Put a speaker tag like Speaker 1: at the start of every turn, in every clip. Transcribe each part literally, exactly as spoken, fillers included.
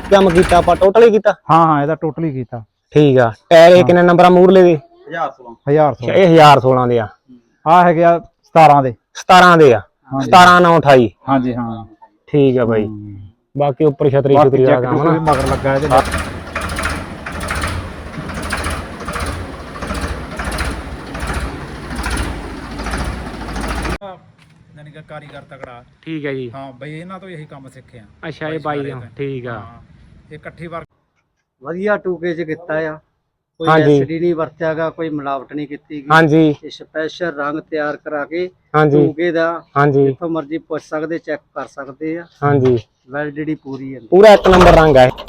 Speaker 1: ਕੰਮ ਕੀਤਾ ਆਪਾਂ ਟੋਟਲ ਹੀ ਕੀਤਾ?
Speaker 2: ਹਾਂ ਹਾਂ ਇਹਦਾ ਟੋਟਲ ਹੀ ਕੀਤਾ।
Speaker 1: ਠੀਕ ਆ। ਟਾਇਰ ਇਹ ਕਿੰਨੇ ਨੰਬਰ ਆ ਮੂਰਲੇ ਦੇ?
Speaker 2: ਹਜ਼ਾਰ ਸੋਲਾਂ।
Speaker 1: ਇਹ ਹਜ਼ਾਰ ਸੋਲਾਂ ਦੇ ਆ।
Speaker 2: ਆ ਹੈਗੇ ਆ ਸਤਾਰਾਂ ਦੇ।
Speaker 1: ਸਤਾਰਾਂ ਦੇ ਆ। ਸਤਾਰਾਂ ਨੌ ਅਠਾਈ।
Speaker 2: ਹਾਂਜੀ ਹਾਂ
Speaker 1: ਠੀਕ ਆ ਬਾਈ। ਬਾਕੀ ਉੱਪਰ ਛਤਰੀ ਛਤਰੀ ਦਾ ਕੰਮ ਨਾ
Speaker 2: ਮਗਰ ਲੱਗਾ ਇਹਦੇ। ਯਾਨੀ ਕਿ ਕਾਰੀਗਰ ਤਕੜਾ।
Speaker 1: ਠੀਕ ਹੈ ਜੀ।
Speaker 2: ਹਾਂ ਬਈ ਇਹਨਾਂ ਤੋਂ ਇਹੀ ਕੰਮ ਸਿੱਖੇ ਆ।
Speaker 1: ਅੱਛਾ ਇਹ ਬਾਈ ਠੀਕ ਆ।
Speaker 2: ਇਹ ਇਕੱਠੀ ਵਾਰ
Speaker 3: ਵਧੀਆ ਟੂਕੇ ਚ ਕੀਤਾ ਆ। ਕੋਈ
Speaker 1: ਹਾਂਜੀ।
Speaker 3: ਐਸਿਡੀ ਨਹੀਂ ਵਰਤਿਆਗਾ, ਕੋਈ ਮਿਲਾਵਟ ਨਹੀਂ ਕੀਤੀ ਗਈ।
Speaker 1: ਹਾਂਜੀ
Speaker 3: ਇਹ ਸਪੈਸ਼ਲ ਰੰਗ ਤਿਆਰ ਕਰਾ ਕੇ
Speaker 1: ਹਾਂਜੀ
Speaker 3: ਟੂਕੇ ਦਾ
Speaker 1: ਹਾਂਜੀ
Speaker 3: ਜਿੱਥੋਂ ਮਰਜ਼ੀ ਪੁੱਛ ਸਕਦੇ, ਚੈੱਕ ਕਰ ਸਕਦੇ ਆ।
Speaker 1: ਹਾਂਜੀ
Speaker 3: ਵੈਲਿਡਿਟੀ ਪੂਰੀ ਹੈ।
Speaker 1: ਪੂਰਾ ਇੱਕ ਨੰਬਰ ਰੰਗ ਹੈ।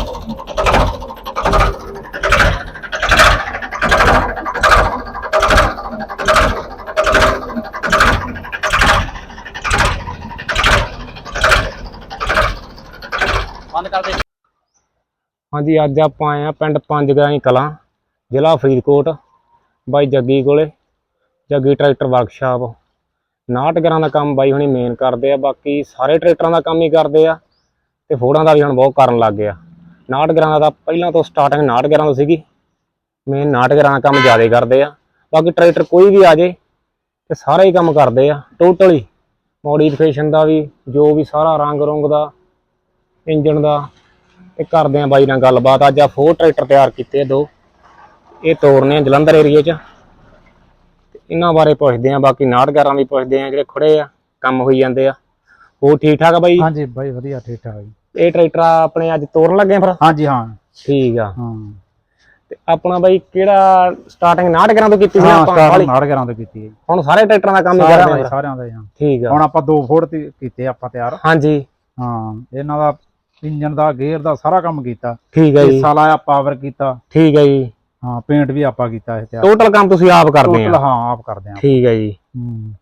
Speaker 3: ਬੰਦ ਕਰ ਦੇ।
Speaker 1: ਹਾਂਜੀ ਅੱਜ ਆਪਾਂ ਆਏ ਆ ਪਿੰਡ ਪੰਜ ਗਰਾਈ ਕਲਾਂ, ਜ਼ਿਲ੍ਹਾ ਫਰੀਦਕੋਟ, ਬਾਈ ਜੱਗੀ ਕੋਲੇ। Jaggi tractor workshop. ਉਨਾਹਠ ਗਰਾਂ ਦਾ ਕੰਮ ਬਾਈ ਹੁਣੀ ਮੇਨ ਕਰਦੇ ਆ। ਬਾਕੀ ਸਾਰੇ ਟਰੈਕਟਰਾਂ ਦਾ ਕੰਮ ਹੀ ਕਰਦੇ ਆ ਤੇ ਫੋੜਾਂ ਦਾ ਵੀ ਹੁਣ ਬਹੁਤ ਕਰਨ ਲੱਗ ਗਿਆ। ਉਨਾਹਠ ਗਰਾਂ ਦਾ ਤਾਂ ਪਹਿਲਾਂ ਤੋਂ ਸਟਾਰਟਿੰਗ ਉਨਾਹਠ ਗਰਾਂ ਤੋਂ ਸੀਗੀ। ਮੇਨ ਉਨਾਹਠ ਗਰਾਂ ਦਾ ਕੰਮ ਜ਼ਿਆਦਾ ਕਰਦੇ ਆ। ਬਾਕੀ ਟਰੈਕਟਰ ਕੋਈ ਵੀ ਆ ਜੇ ਤੇ ਸਾਰਾ ਹੀ ਕੰਮ ਕਰਦੇ ਆ ਟੋਟਲੀ। ਮੋਡੀਫਿਕੇਸ਼ਨ ਦਾ ਵੀ, ਜੋ ਵੀ ਸਾਰਾ ਰੰਗ ਰੁੰਗ ਦਾ, ਇੰਜਣ ਦਾ, ਤੇ ਕਰਦੇ ਆ ਬਾਈ ਨਾਲ ਗੱਲਬਾਤ। ਅੱਜ ਆ ਫੋਰ ਟਰੈਕਟਰ ਤਿਆਰ ਕੀਤੇ ਦੋ, ਇਹ ਤੋਰਨੇ ਆ ਜਲੰਧਰ ਏਰੀਏ 'ਚ। ਇਹਨਾਂ ਬਾਰੇ ਪੁੱਛਦੇ ਆ। ਬਾਕੀ ਉਨਾਹਠ ਗਰਾਂ ਵੀ ਪੁੱਛਦੇ ਆ, ਜਿਹੜੇ ਖੜੇ ਆ ਕੰਮ ਹੋਈ ਜਾਂਦੇ ਆ। ਹੋਰ ਠੀਕ ਠਾਕ ਆ ਬਾਈ?
Speaker 2: ਹਾਂਜੀ ਬਾਈ ਵਧੀਆ ਠੀਕ ਠਾਕ ਜੀ।
Speaker 1: ਇਹ ਟਰੈਕਟਰ ਆਪਣੇ ਅੱਜ ਤੋਰਨ ਲੱਗੇ ਫਿਰ?
Speaker 2: ਹਾਂਜੀ ਹਾਂ
Speaker 1: ਠੀਕ ਆ।
Speaker 2: ਹਾਂ
Speaker 1: ਤੇ ਆਪਣਾ ਬਾਈ ਕਿਹੜਾ ਸਟਾਰਟਿੰਗ ਉਨਾਹਠ ਗਰਾਂ ਤੋਂ ਕੀਤੀ ਸੀ ਆਪਾਂ?
Speaker 2: ਉਨਾਹਠ ਗਰਾਂ ਤੋਂ ਕੀਤੀ ਹੈ ਜੀ।
Speaker 1: ਹੁਣ ਸਾਰੇ ਟਰੈਕਟਰਾਂ ਦਾ ਕੰਮ ਹੀ ਕਰਦੇ ਆ
Speaker 2: ਸਾਰਿਆਂ ਦਾ। ਹਾਂ
Speaker 1: ਠੀਕ ਆ।
Speaker 2: ਹੁਣ ਆਪਾਂ ਦੋ ਫੋੜ ਕੀਤੇ ਆਪਾਂ ਤਿਆਰ।
Speaker 1: ਹਾਂਜੀ
Speaker 2: ਹਾਂ ਇਹਨਾਂ ਦਾ ਇੰਜਨ ਦਾ, ਗੇਅਰ ਦਾ ਸਾਰਾ ਕੰਮ ਕੀਤਾ।
Speaker 1: ਠੀਕ ਹੈ ਜੀ।
Speaker 2: ਹਿੱਸਾ ਲਾਇਆ, ਪਾਵਰ ਕੀਤਾ।
Speaker 1: ਠੀਕ ਹੈ ਜੀ।
Speaker 2: ਹਾਂ ਪੇਂਟ ਵੀ ਆਪਾਂ ਕੀਤਾ ਇਹ ਤਿਆਰ।
Speaker 1: ਟੋਟਲ ਕੰਮ ਤੁਸੀਂ ਆਪ ਕਰਦੇ ਆ?
Speaker 2: ਹਾਂ ਆਪ ਕਰਦੇ ਆ।
Speaker 1: ਠੀਕ ਹੈ ਜੀ।
Speaker 2: ਹੂੰ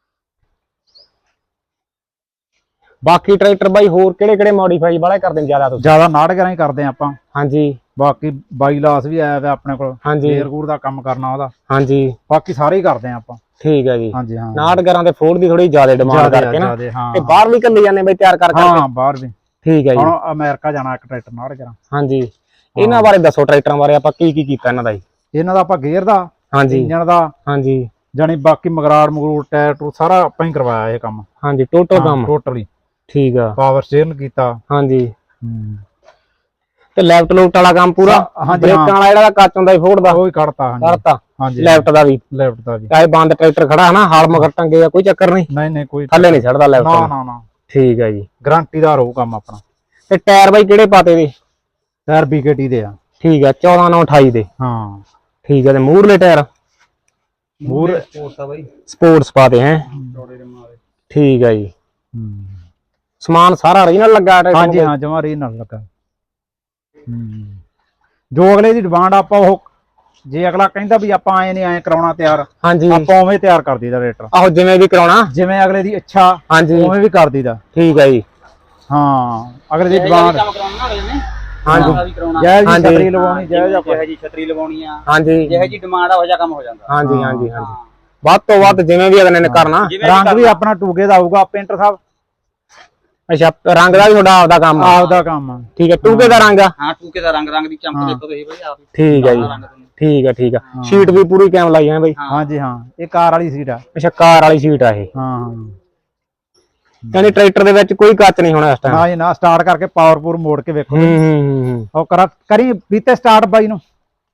Speaker 1: ਬਾਕੀ ਟਰੈਕਟਰ ਬਾਈ ਹੋਰ ਕਿਹੜੇ ਕਿਹੜੇ ਮੋਡੀਫਾਈ ਵਾਲੇ ਕਰਦੇ ਨੇ ਜ਼ਿਆਦਾ ਤੁਸੀਂ?
Speaker 2: ਜ਼ਿਆਦਾ ਉਨਾਹਠ ਗਰਾਂ ਹੀ ਕਰਦੇ ਆ ਆਪਾਂ।
Speaker 1: ਹਾਂਜੀ।
Speaker 2: ਬਾਕੀ ਬਾਈ ਲਾਸ ਵੀ ਆਇਆ ਵਾ ਆਪਣੇ ਕੋਲ।
Speaker 1: ਹਾਂਜੀ।
Speaker 2: ਗੇਅਰ ਗੂਰ ਦਾ ਕੰਮ ਕਰਨਾ ਉਹਦਾ।
Speaker 1: ਹਾਂਜੀ।
Speaker 2: ਬਾਕੀ ਸਾਰੇ ਹੀ ਕਰਦੇ ਆ ਆਪਾਂ।
Speaker 1: ਠੀਕ ਹੈ ਜੀ।
Speaker 2: ਹਾਂਜੀ ਹਾਂ
Speaker 1: ਉਨਾਹਠ ਗਰਾਂ ਦੇ ਫੋੜ ਦੀ ਥੋੜੀ ਜ਼ਿਆਦਾ ਡਿਮਾਂਡ ਕਰਕੇ ਨਾ ਤੇ ਬਾਹਰ ਵੀ ਕੱਲੀ ਜਾਂਦੇ ਬਈ ਤਿਆਰ ਕਰ ਕਰਕੇ?
Speaker 2: ਹਾਂ ਬਾਹਰ ਵੀ।
Speaker 1: ਠੀਕ ਹੈ ਜੀ।
Speaker 2: ਹੁਣ ਅਮਰੀਕਾ ਜਾਣਾ ਇੱਕ ਟਰੈਕਟਰ ਉਨਾਹਠ ਗਰਾਂ।
Speaker 1: ਹਾਂਜੀ। ਇਹਨਾਂ ਬਾਰੇ ਦੱਸੋ, ਟਰੈਕਟਰਾਂ ਬਾਰੇ ਆਪਾਂ ਕੀ ਕੀ ਕੀਤਾ ਇਹਨਾਂ ਦਾ ਜੀ?
Speaker 2: ਇਹਨਾਂ ਦਾ ਆਪਾਂ ਗੇਅਰ ਦਾ,
Speaker 1: ਹਾਂਜੀ,
Speaker 2: ਇੰਜਨ ਦਾ,
Speaker 1: ਹਾਂਜੀ,
Speaker 2: ਜਾਨੀ ਬਾਕੀ ਮਗਰਾੜ ਮਗਰੂੜ ਟਾਇਰ ਟੂ ਸਾਰਾ ਆਪਾਂ ਹੀ ਕਰਵਾਇਆ ਇਹ ਕੰਮ।
Speaker 1: ਹਾਂਜੀ ਟੋਟਲ ਕੰਮ
Speaker 2: ਟੋਟਲੀ।
Speaker 1: ਠੀਕ ਆ।
Speaker 2: ਪਾਵਰ ਸਟੀਅਰਿੰਗ ਕੀਤਾ।
Speaker 1: ਹਾਂਜੀ।
Speaker 2: ਹੂੰ
Speaker 1: ਤੇ ਲੈਫਟ ਲੂਫਟ ਵਾਲਾ ਕੰਮ ਪੂਰਾ? ਬ੍ਰੇਕਾਂ ਵਾਲਾ ਜਿਹੜਾ ਕੱਚ ਹੁੰਦਾ ਸੀ ਫੋੜ ਦਾ
Speaker 2: ਉਹ ਹੀ ਕੱਢਤਾ। ਹਾਂਜੀ
Speaker 1: ਕੱਢਤਾ।
Speaker 2: ਹਾਂਜੀ
Speaker 1: ਲੈਫਟ ਦਾ ਵੀ?
Speaker 2: ਲੈਫਟ ਦਾ ਵੀ।
Speaker 1: ਚਾਹੇ ਬੰਦ ਟਰੈਕਟਰ ਖੜਾ ਹੈ ਨਾ, ਹਾਲ ਮਗਰ ਟੰਗੇ ਆ, ਕੋਈ ਚੱਕਰ ਨਹੀਂ?
Speaker 2: ਨਹੀਂ ਨਹੀਂ ਕੋਈ
Speaker 1: ਥੱਲੇ ਨਹੀਂ ਛੱਡਦਾ ਲੈਫਟ?
Speaker 2: ਨਾ ਨਾ ਨਾ।
Speaker 1: ਠੀਕ ਹੈ ਜੀ।
Speaker 2: ਗਾਰੰਟੀ ਦਾ ਰਹੂ ਕੰਮ ਆਪਣਾ।
Speaker 1: ਤੇ ਟਾਇਰ ਬਾਈ ਕਿਹੜੇ ਪਾਤੇ ਦੇ?
Speaker 2: ਟਾਇਰ ਬੀਕੇਟੀ ਦੇ ਆ।
Speaker 1: ਠੀਕ ਆ। ਚੌਦਾਂ ਨੌ ਅਠਾਈ ਦੇ?
Speaker 2: ਹਾਂ
Speaker 1: ਠੀਕ ਆ। ਤੇ ਮੂਰਲੇ ਟਾਇਰ?
Speaker 2: ਮੂਰ
Speaker 3: ਸਪੋਰਟਸ ਆ ਬਾਈ।
Speaker 1: ਸਪੋਰਟਸ ਪਾਤੇ ਹੈ? ਠੀਕ ਆ ਜੀ। ਸਮਾਨ ਸਾਰਾ ਓਰੀਜਨਲ ਲੱਗਾ?
Speaker 2: ਹਾਂਜੀ ਹਾਂ ਜਮਾ ਓਰੀਜਨਲ ਲੱਗਾ। ਹੂੰ ਜੋ ਅਗਲੇ ਦੀ ਡਿਮਾਂਡ ਆਪਾਂ ਉਹ, ਜੇ ਅਗਲਾ ਕਹਿੰਦਾ ਵੀ ਆਪਾਂ ਐ ਨਹੀਂ ਐ ਕਰਾਉਣਾ ਤਿਆਰ,
Speaker 1: ਹਾਂਜੀ
Speaker 2: ਆਪਾਂ ਉਵੇਂ ਤਿਆਰ ਕਰ ਦਈਦਾ ਰੇਟਰ।
Speaker 1: ਆਹੋ ਜਿਵੇਂ ਵੀ ਕਰਾਉਣਾ,
Speaker 2: ਜਿਵੇਂ ਅਗਲੇ ਦੀ ਇੱਛਾ
Speaker 1: ਹਾਂਜੀ
Speaker 2: ਉਵੇਂ ਵੀ ਕਰ ਦਈਦਾ।
Speaker 1: ਠੀਕ ਹੈ ਜੀ।
Speaker 2: ਹਾਂ ਅਗਲੇ ਦੀ ਡਿਮਾਂਡ।
Speaker 3: ਕੰਮ ਕਰਾਉਣਾ ਨਾ ਅਗਲੇ ਨੇ
Speaker 1: ਹਾਂਜੀ।
Speaker 2: ਜੈ ਜੀ ਛਤਰੀ ਲਵਾਉਣੀ, ਜੈ
Speaker 3: ਜਿਹੇ ਜੀ ਛਤਰੀ ਲਵਾਉਣੀ ਆ,
Speaker 1: ਹਾਂਜੀ
Speaker 3: ਜਿਹੇ ਜੀ ਡਿਮਾਂਡ ਆ ਉਹ ਜਿਹਾ ਕੰਮ ਹੋ ਜਾਂਦਾ।
Speaker 1: ਹਾਂਜੀ ਹਾਂਜੀ ਹਾਂਜੀ। ਵੱਧ ਤੋਂ ਵੱਧ ਜਿਵੇਂ ਵੀ ਅਗਲੇ ਨੇ ਕਰਨਾ।
Speaker 2: ਰੰਗ ਵੀ ਆਪਣਾ ਟੂਕੇ ਦਾ ਆਊਗਾ ਪੇਂਟਰ ਸਾਹਿਬ।
Speaker 1: ਅੱਛਾ ਰੰਗ ਦਾ ਵੀ ਤੁਹਾਡਾ ਆਪਦਾ ਕੰਮ?
Speaker 2: ਆਪਦਾ ਕੰਮ ਆ।
Speaker 1: ਠੀਕ ਹੈ। ਟੂਕੇ ਦਾ ਰੰਗ ਆ?
Speaker 3: ਹਾਂ ਟੂਕੇ ਦਾ ਰੰਗ, ਰੰਗ ਦੀ ਚਮਕ ਦੇਖੋ ਤੁਸੀਂ ਬਾਈ ਆਪ।
Speaker 1: ਠੀਕ ਹੈ ਜੀ। ਠੀਕ ਹੈ ਠੀਕ ਆ। ਸ਼ੀਟ ਵੀ ਪੂਰੀ ਕੈਮ ਲਾਈ ਹੈ ਬਾਈ?
Speaker 2: ਹਾਂਜੀ ਹਾਂ ਇਹ ਕਾਰ ਵਾਲੀ ਸੀਟ ਆ।
Speaker 1: ਅੱਛਾ ਕਾਰ ਵਾਲੀ ਸ਼ੀਟ ਆ ਇਹ?
Speaker 2: ਹਾਂ
Speaker 1: ਯਾਨੀ ਟਰੈਕਟਰ ਦੇ ਵਿੱਚ ਕੋਈ ਕੱਚ ਨਹੀਂ ਹੋਣਾ ਇਸ ਟਾਈਮ?
Speaker 2: ਨਾ ਜੀ ਨਾ। ਸਟਾਰਟ ਕਰਕੇ ਪਾਵਰ ਪੂਰ ਮੋੜ ਕੇ ਵੇਖੋ।
Speaker 1: ਹੂੰ ਹੂੰ ਹੂੰ।
Speaker 2: ਉਹ ਕਰਾ ਕਰੀ ਬੀਤੇ ਸਟਾਰਟ ਬਾਈ ਨੂੰ।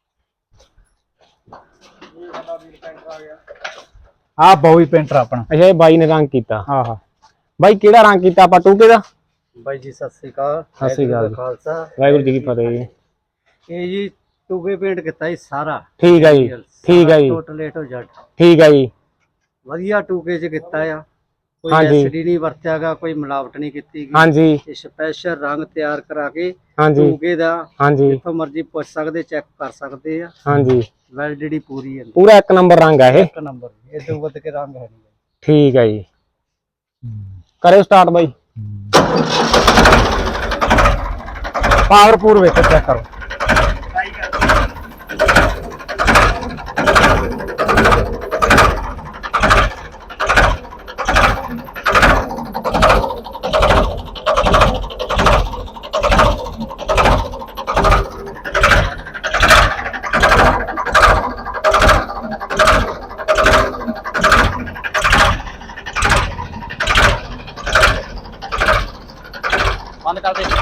Speaker 2: ਆ ਬੋਈ ਪੇਂਟਰ ਆਪਣਾ।
Speaker 1: ਅੱਛਾ ਇਹ ਬਾਈ ਨੇ ਰੰਗ ਕੀਤਾ?
Speaker 2: ਆਹਾ
Speaker 1: ਬਾਈ ਕਿਹੜਾ ਰੰਗ ਕੀਤਾ ਆਪਾਂ ਟੂਕੇ ਦਾ?
Speaker 3: ਬਾਈ ਜੀ ਸਤਿ ਸ੍ਰੀ ਅਕਾਲ।
Speaker 1: ਸਤਿ ਸ੍ਰੀ ਅਕਾਲ।
Speaker 3: ਖਾਲਸਾ
Speaker 1: ਵਾਹਿਗੁਰੂ ਜੀ ਕੀ ਫਤਿਹ ਜੀ।
Speaker 3: ਇਹ ਜੀ ਟੂਕੇ ਪੇਂਟ ਕੀਤਾ ਜੀ ਸਾਰਾ।
Speaker 1: ਠੀਕ ਹੈ ਜੀ। ਠੀਕ ਹੈ ਜੀ।
Speaker 3: Total A to Z.
Speaker 1: ਠੀਕ ਹੈ ਜੀ।
Speaker 3: ਵਧੀਆ ਟੂਕੇ ਚ ਕੀਤਾ ਆ। ਕੋਈ
Speaker 1: ਹਾਂਜੀ।
Speaker 3: ਐਸਿਡੀ ਨਹੀਂ ਵਰਤਿਆਗਾ, ਕੋਈ ਮਿਲਾਵਟ ਨਹੀਂ ਕੀਤੀ ਗਈ।
Speaker 1: ਹਾਂਜੀ।
Speaker 3: ਇਹ ਸਪੈਸ਼ਲ ਰੰਗ ਤਿਆਰ ਕਰਾ ਕੇ
Speaker 1: ਹਾਂਜੀ
Speaker 3: ਟੂਕੇ ਦਾ
Speaker 1: ਹਾਂਜੀ
Speaker 3: ਜਿੱਥੋਂ ਮਰਜ਼ੀ ਪੁੱਛ ਸਕਦੇ, ਚੈੱਕ ਕਰ ਸਕਦੇ ਆ।
Speaker 1: ਹਾਂਜੀ
Speaker 3: ਵੈਲਿਡਿਟੀ ਪੂਰੀ ਹੈ।
Speaker 1: ਪੂਰਾ ਇੱਕ ਨੰਬਰ ਰੰਗ ਆ ਇਹ?
Speaker 3: ਇੱਕ ਨੰਬਰ। ਇਹ ਤੋਂ ਵੱਧ ਕੇ ਰੰਗ ਹੈ ਨਹੀਂ।
Speaker 1: ਠੀਕ ਹੈ ਜੀ। ਕਰਿਓ ਸਟਾਰਟ ਬਾਈ।
Speaker 2: ਪਾਵਰ ਪੂਰ ਵੇਖੋ, ਚੈੱਕ ਕਰੋ।
Speaker 3: ਬੰਦ ਕਰ ਦੇ।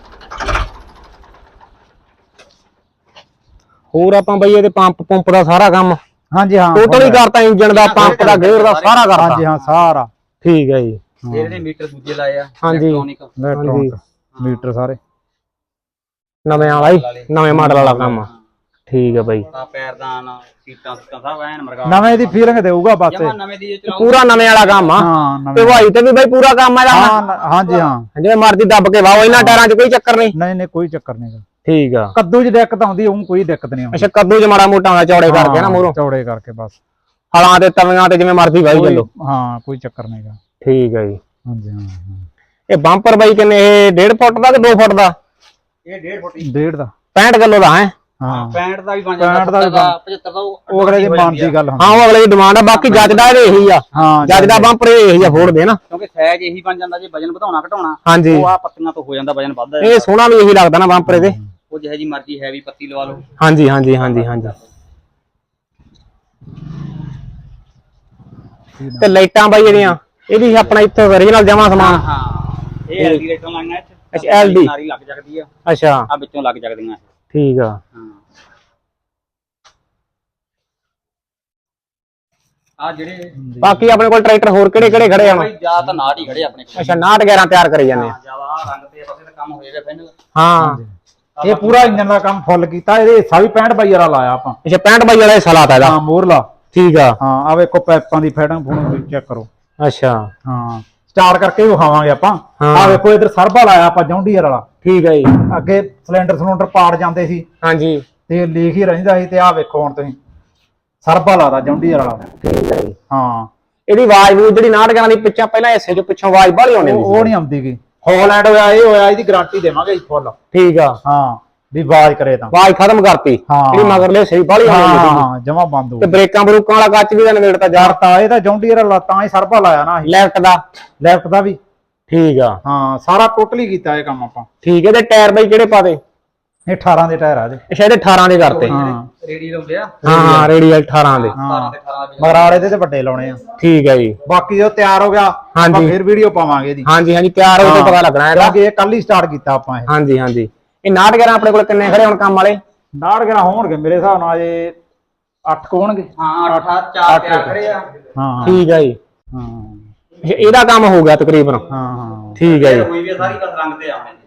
Speaker 1: ਹੋਰ ਆਪਾਂ ਬਈ ਇਹਦੇ ਪੰਪ ਪੰਪ ਦਾ ਸਾਰਾ ਕੰਮ
Speaker 2: ਹਾਂਜੀ ਹਾਂ
Speaker 1: ਟੋਟਲ ਹੀ ਕਰਤਾ, ਇੰਜਨ ਦਾ, ਪੰਪ ਦਾ, ਗੇਅਰ ਦਾ ਸਾਰਾ ਕਰਤਾ।
Speaker 2: ਹਾਂਜੀ ਹਾਂ ਸਾਰਾ
Speaker 1: ਠੀਕ ਹੈ ਜੀ।
Speaker 3: ਇਹਦੇ ਮੀਟਰ ਦੂਜੇ ਲਾਏ ਆ
Speaker 1: ਹਾਂਜੀ।
Speaker 3: ਇਲੈਕਟ੍ਰੋਨਿਕ
Speaker 2: ਇਲੈਕਟ੍ਰੋਨਿਕ ਮੀਟਰ ਸਾਰੇ
Speaker 1: ਨਵੇਂ ਵਾਲਾ ਹੀ, ਨਵੇਂ ਮਾਡਲ ਵਾਲਾ ਕੰਮ। ਠੀਕ ਹੈ ਬਾਈ।
Speaker 3: ਆ ਪੈਰਦਾਨ ਸੀਟਾਂ ਸੀਟਾਂ ਸਭ ਐਨ ਮਰਗਾ
Speaker 2: ਨਵੇਂ ਦੀ ਫੀਲਿੰਗ ਦੇਊਗਾ ਬਸ
Speaker 3: ਜਮਾ ਨਵੇਂ ਦੀ ਚਲਾਓ।
Speaker 1: ਪੂਰਾ ਨਵੇਂ ਵਾਲਾ ਕੰਮ ਆ।
Speaker 2: ਹਾਂ
Speaker 1: ਤੇ
Speaker 2: ਨਵੇਂ
Speaker 1: ਵਾਈ ਤੇ ਵੀ ਬਾਈ ਪੂਰਾ ਕੰਮ ਆ ਇਹਦਾ।
Speaker 2: ਹਾਂ ਹਾਂਜੀ ਹਾਂ
Speaker 1: ਜਿਵੇਂ ਮਰਜ਼ੀ ਦੱਬ ਕੇ ਵਾਓ, ਇਹਨਾਂ ਟਾਇਰਾਂ 'ਚ ਕੋਈ ਚੱਕਰ ਨਹੀਂ।
Speaker 2: ਨਹੀਂ ਨਹੀਂ ਕੋਈ ਚੱਕਰ ਨਹੀਂ।
Speaker 1: ਠੀਕ ਆ।
Speaker 2: ਕੱਦੂ 'ਚ ਦਿੱਕਤ ਆਉਂਦੀ, ਉਹ ਕੋਈ ਦਿੱਕਤ ਨਹੀਂ ਆਉਂਦੀ।
Speaker 1: ਅੱਛਾ, ਕੱਦੂ 'ਚ ਮਾੜਾ ਮੋਟਾ ਹੁੰਦਾ ਚੌੜੇ ਕਰਕੇ ਨਾ ਮੂਹਰੋਂ,
Speaker 2: ਚੌੜੇ ਕਰਕੇ ਬਸ
Speaker 1: ਹਲਾਂ ਤੇ ਤਵੀਆਂ ਤੇ ਜਿਵੇਂ ਮਰਜ਼ੀ ਵਾਈ ਚੱਲੋ।
Speaker 2: ਹਾਂ ਕੋਈ ਚੱਕਰ ਨਹੀਂਗਾ।
Speaker 1: ਠੀਕ ਹੈ ਜੀ।
Speaker 2: ਹਾਂਜੀ ਹਾਂ
Speaker 1: ਇਹ ਬੰਪਰ ਬਾਈ ਕਿੰਨੇ, ਇਹ ਡੇਢ ਫੁੱਟ ਦਾ ਕਿ ਦੋ ਫੁੱਟ ਦਾ?
Speaker 3: ਇਹ ਡੇਢ ਫੁੱਟ
Speaker 2: ਡੇਢ ਦਾ
Speaker 1: ਪੈਂਹਠ ਕਿਲੋ ਦਾ ਹੈ।
Speaker 2: ਹਾਂ
Speaker 3: ਪੈਂਹਠ ਦਾ ਵੀ ਬਣ
Speaker 2: ਪੈਂਹਠ ਦਾ
Speaker 3: ਜਾਂਦਾ,
Speaker 2: ਵੀ
Speaker 3: ਪਚੱਤਰ ਦਾ
Speaker 2: ਉਹ ਅਗਲੇ ਦੀ ਮਨ ਦੀ ਗੱਲ ਹੁੰਦੀ।
Speaker 1: ਹਾਂ, ਉਹ ਅਗਲੇ ਦੀ ਡਿਮਾਂਡ ਆ। ਬਾਕੀ ਜੱਜ ਦਾ ਇਹੀ ਆ,
Speaker 2: ਹਾਂ
Speaker 1: ਜੱਜ ਦਾ ਬੰਪਰ ਇਹੀ ਆ ਫੋੜ ਦੇ ਨਾ,
Speaker 3: ਕਿਉਂਕਿ ਸਾਈਜ਼ ਇਹੀ ਬਣ ਜਾਂਦਾ। ਜੇ ਵਜਨ ਵਧਾਉਣਾ ਘਟਾਉਣਾ
Speaker 1: ਹਾਂਜੀ,
Speaker 3: ਉਹ ਆ ਪੱਤੀਆਂ ਤੋਂ ਹੋ ਜਾਂਦਾ, ਵਜਨ ਵੱਧਦਾ।
Speaker 1: ਇਹ ਸੋਹਣਾ ਵੀ ਇਹੀ ਲੱਗਦਾ ਨਾ ਬੰਪਰ ਇਹਦੇ।
Speaker 3: ਉਹ ਜਿਹੇ ਜੀ ਮਰਜ਼ੀ ਹੈਵੀ ਪੱਤੀ ਲਵਾ ਲਓ।
Speaker 1: ਹਾਂਜੀ ਹਾਂਜੀ ਹਾਂਜੀ ਹਾਂਜੀ। ਤੇ ਲਾਈਟਾਂ ਬਾਈ ਜਿਹੜੀਆਂ, ਇਹ ਵੀ ਆਪਣਾ ਇੱਥੋਂ ਓਰੀਜਨਲ ਜਮਾ ਸਮਾਨ।
Speaker 3: ਹਾਂ ਇਹ ਐਲਡੀ ਲਾਈਟਾਂ ਲਾਈਆਂ ਇੱਥੇ।
Speaker 1: ਅੱਛਾ, ਐਲ ਡੀ
Speaker 3: ਨਾਰੀ ਲੱਗ ਜਾਂਦੀ ਆ।
Speaker 1: ਅੱਛਾ,
Speaker 3: ਆ ਵਿੱਚੋਂ ਲੱਗ ਜਾਂਦੀਆਂ।
Speaker 1: ਠੀਕ ਆ।
Speaker 3: ਹਾਂ ਆ ਜਿਹੜੇ
Speaker 1: ਬਾਕੀ ਆਪਣੇ ਕੋਲ ਟਰੈਕਟਰ ਹੋਰ ਕਿਹੜੇ ਕਿਹੜੇ ਖੜੇ ਆ?
Speaker 3: ਬਈ ਜਾਂ ਤਾਂ ਨਾੜ ਹੀ ਖੜੇ ਆਪਣੇ ਕੋਲ।
Speaker 1: ਅੱਛਾ, ਨਾਟ ਗਿਆਰਾਂ ਤਿਆਰ ਕਰੀ ਜਾਂਦੇ ਆ।
Speaker 3: ਜਿਆਦਾ ਰੰਗ ਤੇ ਬਸੇ ਤਾਂ ਕੰਮ ਹੋਏਗਾ ਫਾਈਨਲ।
Speaker 1: ਹਾਂ,
Speaker 2: ਇਹ ਪੂਰਾ ਇੰਜਨ ਦਾ ਕੰਮ ਫੁੱਲ ਕੀਤਾ। ਇਹਦੇ ਹਿੱਸਾ ਵੀ ਪੈਂਹਠ ਬਾਈ ਵਾਲਾ ਲਾਇਆ ਆਪਾਂ।
Speaker 1: ਅੱਛਾ, ਪੈਂਹਠ ਬਾਈ ਵਾਲਾ ਹਿੱਸਾ ਲਾਤਾ ਇਹਦਾ।
Speaker 2: ਹਾਂ ਮੋਰਲਾ।
Speaker 1: ਠੀਕ ਆ।
Speaker 2: ਹਾਂ ਆ ਵੇਖੋ ਪੈਪਾਂ ਦੀ ਫੈਡਿੰਗ ਫੂਡਿੰਗ ਚੈੱਕ ਕਰੋ।
Speaker 1: ਅੱਛਾ,
Speaker 2: ਹਾਂ ਸਟਾਰਟ ਕਰਕੇ ਵੀ ਵਿਖਾਵਾਂਗੇ ਆਪਾਂ।
Speaker 1: ਹਾਂ।
Speaker 2: ਆ ਵੇਖੋ ਇਧਰ ਸਰਬਾ ਲਾਇਆ ਆਪਾਂ ਜੌਂਡੀਅਰ ਵਾਲਾ।
Speaker 1: ਠੀਕ ਹੈ ਜੀ।
Speaker 2: ਅੱਗੇ ਸਿਲੰਡਰ ਸਿਲੰਡਰ ਪਾੜ ਜਾਂਦੇ ਸੀ
Speaker 1: ਹਾਂਜੀ,
Speaker 2: ਤੇ ਲੀਕ ਹੀ ਰਹਿੰਦਾ ਸੀ। ਤੇ ਆ ਵੇਖੋ ਹੁਣ ਤੁਸੀਂ ਸਰਬਾ ਲਾਦਾ ਜੌਂਡੀਅਰ ਵਾਲਾ।
Speaker 1: ਠੀਕ ਹੈ ਜੀ।
Speaker 2: ਹਾਂ
Speaker 1: ਇਹਦੀ ਆਵਾਜ਼ ਵੀ ਜਿਹੜੀ ਨਾਟ ਗਿਆਰਾਂ ਦੀ ਪਿੱਛੇ ਪਹਿਲਾਂ ਹਿੱਸੇ ਚੋਂ ਪਿੱਛੋਂ ਆਵਾਜ਼ ਬਾਹਲੀ ਆਉਂਦੀ
Speaker 2: ਉਹ
Speaker 1: ਹੁੰਦੀ
Speaker 2: ਉਹ ਨਹੀਂ ਆਉਂਦੀ ਗੀ। ਹੌਲੈਂਡ ਹੋਇਆ ਇਹ ਹੋਇਆ, ਇਹਦੀ ਗਾਰੰਟੀ ਦੇਵਾਂਗੇ ਫੁੱਲ।
Speaker 1: ਠੀਕ ਆ।
Speaker 2: ਹਾਂ ਵੀ ਆਵਾਜ਼ ਕਰੇ ਤਾਂ
Speaker 1: ਆਵਾਜ਼ ਖਤਮ ਕਰਤੀ।
Speaker 2: ਹਾਂ।
Speaker 1: ਜਿਹੜੀ ਮਗਰਲੇ ਸਹੀ ਬਾਹਲੀ
Speaker 2: ਹਾਂ
Speaker 1: ਆਉਂਦੀ ਹੁੰਦੀ
Speaker 2: ਹਾਂ ਜਮਾ ਬੰਦ ਹੋ
Speaker 1: ਤੇ ਬ੍ਰੇਕਾਂ ਬਰੂਕਾਂ ਵਾਲਾ ਕੱਚ ਵੀ ਤਾਂ ਨਵੇੜਤਾ ਯਾਰ।
Speaker 2: ਤਾਂ ਇਹ ਤਾਂ ਜੌਂਡੀਅਰ ਵਾਲਾ ਤਾਂ ਹੀ ਸਰਬਾ ਲਾਇਆ ਨਾ ਅਸੀਂ।
Speaker 1: ਲੈਫਟ ਦਾ।
Speaker 2: ਲੈਫਟ ਦਾ ਵੀ।
Speaker 1: ਠੀਕ ਆ।
Speaker 2: ਹਾਂ ਸਾਰਾ ਟੋਟਲੀ ਕੀਤਾ ਇਹ ਕੰਮ ਆਪਾਂ।
Speaker 1: ਠੀਕ ਹੈ। ਤੇ ਟਾਇਰ ਬਾਈ ਕਿਹੜੇ ਪਾਦੇ?
Speaker 2: ਇਹ ਅਠਾਰਾਂ ਦੇ ਟਾਇਰ ਆ ਜੀ।
Speaker 1: ਅੱਛਾ, ਇਹਦੇ ਅਠਾਰਾਂ ਦੇ ਕਰਤੇ।
Speaker 2: ਹਾਂ
Speaker 3: ਰੇਡੀ ਲਾਉਂਦੇ ਆ।
Speaker 1: ਹਾਂ ਹਾਂ, ਰੇਡੀਅਲ ਅਠਾਰਾਂ ਦੇ।
Speaker 3: ਸਤਾਰਾਂ ਤੇ ਅਠਾਰਾਂ ਦੇ।
Speaker 2: ਮਗਰ ਵਾਲੇ ਦੇ ਤੇ ਵੱਡੇ ਲਾਉਣੇ ਆ।
Speaker 1: ਠੀਕ ਹੈ ਜੀ।
Speaker 2: ਬਾਕੀ ਜੋ ਤਿਆਰ ਹੋ ਗਿਆ
Speaker 1: ਹਾਂਜੀ।
Speaker 2: ਆਪਾਂ ਫਿਰ ਵੀਡੀਓ ਪਾਵਾਂਗੇ ਇਹਦੀ।
Speaker 1: ਹਾਂਜੀ ਹਾਂਜੀ, ਤਿਆਰ ਹੋ ਕੇ ਪਤਾ ਲੱਗਣਾ ਇਹਦਾ।
Speaker 2: ਕਿਉਂਕਿ ਇਹ ਕੱਲ ਹੀ ਸਟਾਰਟ ਕੀਤਾ ਆਪਾਂ ਇਹ।
Speaker 1: ਹਾਂਜੀ ਹਾਂਜੀ। ਇਹ ਨਾਟ ਗਿਆਰਾਂ ਆਪਣੇ ਕੋਲ ਕਿੰਨੇ ਖੜੇ ਹੁਣ ਕੰਮ ਵਾਲੇ?
Speaker 2: ਨਾੜ ਗਰਾ ਹੋਣਗੇ ਮੇਰੇ ਹਿਸਾਬ ਨਾਲ ਇਹ ਅੱਠ ਕੁ ਹੋਣਗੇ।
Speaker 3: ਹਾਂ ਅੱਠ ਚਾਰ ਤਿਆਰ ਖੜੇ ਆ।
Speaker 2: ਹਾਂ
Speaker 1: ਠੀਕ ਹੈ ਜੀ।
Speaker 2: ਹਾਂ
Speaker 1: ਅੱਛਾ, ਇਹਦਾ ਕੰਮ ਹੋ ਗਿਆ ਤਕਰੀਬਨ।
Speaker 2: ਹਾਂ ਹਾਂ
Speaker 1: ਠੀਕ ਹੈ ਜੀ।
Speaker 3: ਹੋਈ ਵੀ ਆ ਸਾਰੀ ਬਸ ਰੰਗ ਤੇ ਆਉਣੇ।